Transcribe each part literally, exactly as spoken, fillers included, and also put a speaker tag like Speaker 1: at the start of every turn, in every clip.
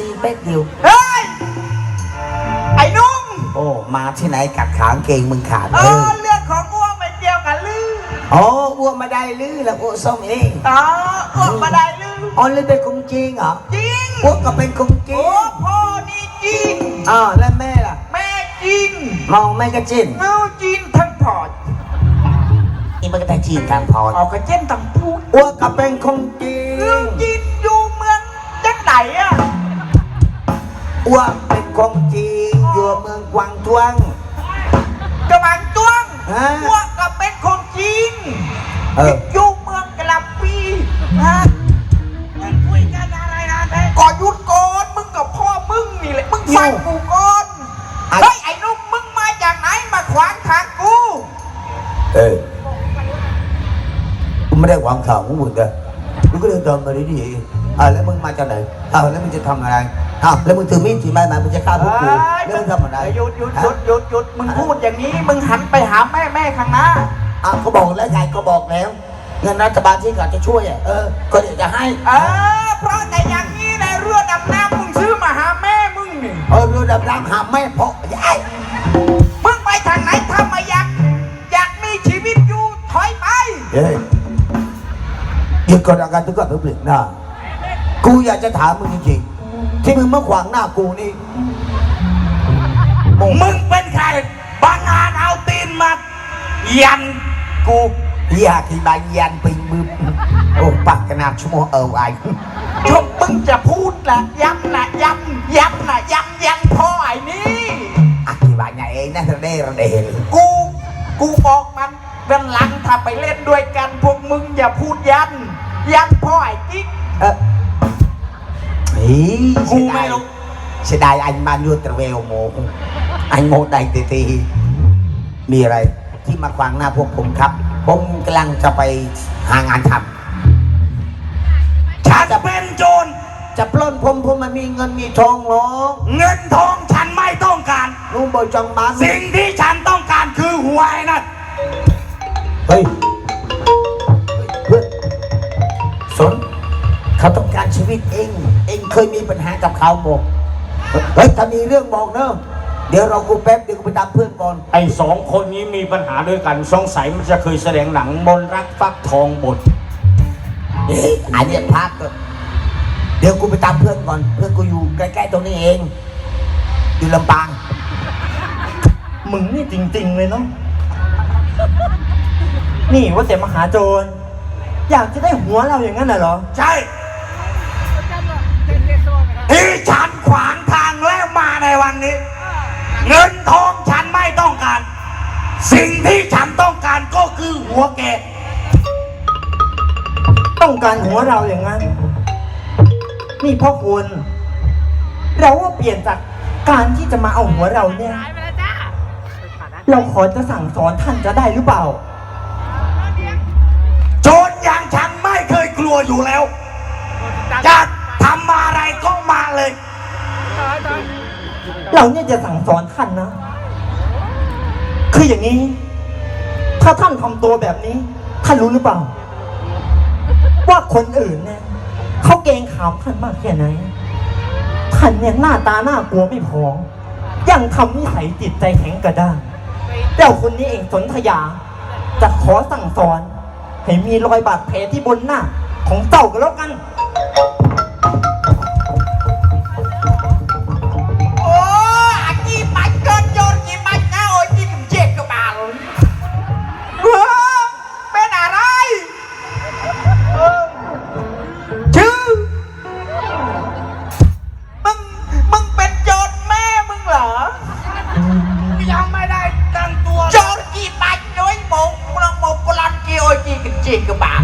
Speaker 1: ซีเป๊กเดียว
Speaker 2: เฮ้ยไอ้นุ่ม
Speaker 1: โอ้มาที่ไหนกัดขางเกงมึงขาด
Speaker 2: เออเลือดของอ้วกไม่เกี่ยวกันลือ
Speaker 1: อ๋ออ้วกมาได้ลือแล้วอ้วกส้มเอง
Speaker 2: อ๋ออ้วกมาได้ลือ
Speaker 1: อ๋อลือเป็นคงจริงเหรอ
Speaker 2: จริง
Speaker 1: อ้วกก็เป็นคงจริง
Speaker 2: โอ้พ่อนี่จริง
Speaker 1: อ๋อแล้วแม่ล่ะ
Speaker 2: แม่จริง
Speaker 1: มองแม่ก็จริง
Speaker 2: เมาจริงทั้งพอด
Speaker 1: นี่มันก็แต่จีนทางพอด
Speaker 2: ออกกระเจนทั้งพูด
Speaker 1: อ้วกก็เป็นคงจริง
Speaker 2: เรื่องจริงอยู่เมืองจังไหนอะ
Speaker 1: อ้วกเป็นคงจริงอยู่เมืองกวางทวง
Speaker 2: กวางทวงอ้วกก็เป็นคงจริงอยู่เมืองกะลำปีฮะมึงคุยกันอะไรนะก่อนยุดก่อนมึงกับพ่อมึงนี่แหละมึงฟังกูก่อนเฮ้ยไอ้นุ่มมึงมาจากไหนมาขวางทางกู
Speaker 1: เออกูไม่ได้ขวางทางของมึงเลยมึงก็เดินตรงมาดีๆอ่าแล้วมึงมาจากไหนอ้าวแล้วมึงจะทำอะไรอ้าวแล้วมึงถือมีดถือไม้มามึงจะฆ่าพวกกูแล้วมึงทำอะไร
Speaker 2: หยุดหยุดหยุดหยุดหยุดมึงพูดอย่างนี้มึงหันไปหาแม่แม่ข้างหน้า
Speaker 1: อ่ะเขาบอกแล้วไงก็บอกแล้วเงินรัฐบาลที่เขาจะช่วยอ่ะเออก็เดี๋ยวจะให้
Speaker 2: เออเพราะแต่อย่างนี้ในเรือดำน้ำมึงซื้อมาหาแม่มึงนี่
Speaker 1: เออเรือดำน้ำหาแม่เพราะยาย
Speaker 2: มึงไปทางไหนทำมาอยากอยากมีชีวิตอยู่ถอยไป
Speaker 1: เฮ้ยหยุดก่อนอาการทุกข์ทุกข์เปลี่ยนหน้ากูอยากจะถามมึงจริงๆที่มึงมาขวางหน้ากูนี่
Speaker 2: มึงเป็นใครบางงานเอาตีนมายันกู
Speaker 1: อยากที่บางยันปิงมือโอ้ปากขนาดชั่วโมงเออไอ้
Speaker 2: ชมมึงจะพูดละย้ำนะย้ำย้ำนะย้ำยันพ่อไอ้นี่
Speaker 1: อธิบายไงเองนะเร่เร่
Speaker 2: กูกูบอกมันวันหลังถ้าไปเล่นด้วยกันพวกมึงอย่าพูดยันยันพ่อไอ้กิ๊ก
Speaker 1: เออ
Speaker 2: กูไม่รู้
Speaker 1: เสียดายanh bao nhiêu tờ vèo một anh một đầyตีตีมีอะไรที่มาขวางหน้าพวกผมครับผมกำลังจะไปหางานท
Speaker 2: ำฉันจะเป็นโจร
Speaker 1: จะปล้นผมผมมันมีเงินมีทองหรอ
Speaker 2: เงินทองฉันไม่ต้องการ
Speaker 1: นุ่มบอยจังบ้าน
Speaker 2: สิ่งที่ฉันต้องการคือหวยนะ
Speaker 1: เฮ้ยเพื่อนสนเขาต้องการชีวิตเองเองเคยมีปัญหากับเขาบอกเฮ้ยถ้ามีเรื่องบอกเนอะเดี๋ยวเรากูแป๊บเดี๋ยวกูไปตามเพื่อนก่อน
Speaker 3: ไอ้สองคนนี้มีปัญหาด้วยกันสงสัยมันจะเคยแสดงหนังมนรักฟักทองบท
Speaker 1: เฮ้ยอันนี้พักเดี๋ยวกูไปตามเพื่อนก่อนเพื่อนกูอยู่ใกล้ๆตรงนี้เองอยู่ลำปาง
Speaker 3: มึงนี่จริงๆเลยเนาะนี่ว่าแต่มหาโจรอยากจะได้หัวเราอย่างนั้นเหรอ
Speaker 2: ใช่ที่ฉันขวางทางแล้วมาในวันนี้เงินทองฉันไม่ต้องการสิ่งที่ฉันต้องการก็คือหัวแก
Speaker 3: ต้องการหัวเราอย่างนั้นนี่พ่อคุณเราว่าเปลี่ยนจากการที่จะมาเอาหัวเราเนี่ยเราขอจะสั่งสอนท่านจะได้หรือเปล่า
Speaker 2: โจรอย่างฉันไม่เคยกลัวอยู่แล้วจะทำอะไรก็มาเลย
Speaker 3: เราเนี่ยจะสั่งสอนท่านนะคืออย่างนี้ถ้าท่านทำตัวแบบนี้ท่านรู้หรือเปล่าว่าคนอื่นเนี่ยเขาเกรงขามท่านมากแค่ไหนท่านเนี่ยหน้าตาหน้ากลัวไม่พอยังทำนิสัยจิตใจแข็งกระด้างเจ้าคนนี้เองสนธยาจะขอสั่งสอนให้มีรอยบาดแผลที่บนหน้าของเจ้ากันแล้วกัน
Speaker 2: โอ้อาจีบัดเกินโจรจีบัดนะโอ้ยจีถึงเจ็บกระบาลเป็นอะไรชื่อมึงมึงเป็นโจรแม่มึงเหรอยังไม่ได้ตั้งตัวโจรจีบัดน้อยหมกมึงหมกกลันจีโอ้ยจีถึงเจ็บกระบาล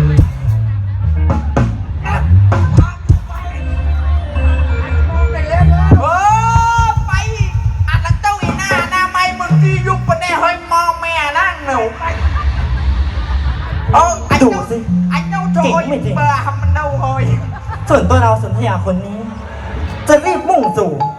Speaker 3: ดูสิเก่งไม่จริงส่วนตัวเราสนธยาคนนี้จะรีบมุ่งสู่